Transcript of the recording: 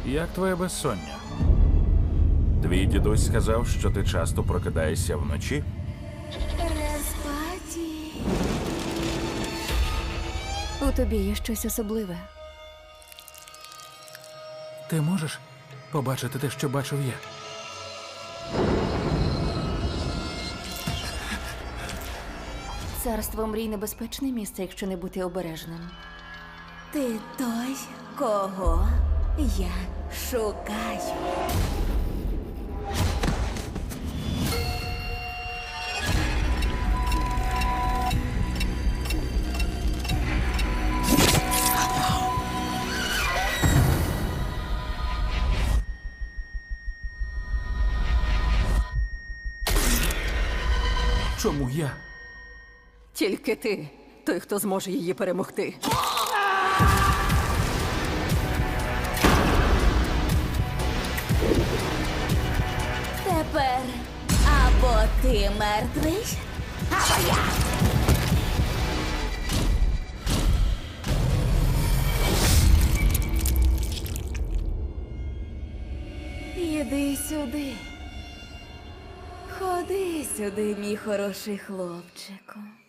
Як твоє безсоння? Твій дідусь сказав, що ти часто прокидаєшся вночі? Респаті. У тобі є щось особливе. Ти можеш побачити те, що бачив я? Царство мрій небезпечне місце, якщо не бути обережним. Ти той, кого я шукаю. Чому я? Тільки ти, той, хто зможе її перемогти. Тепер або ти мертвий, або я. Іди сюди. Ходи сюди, мій хороший хлопчику.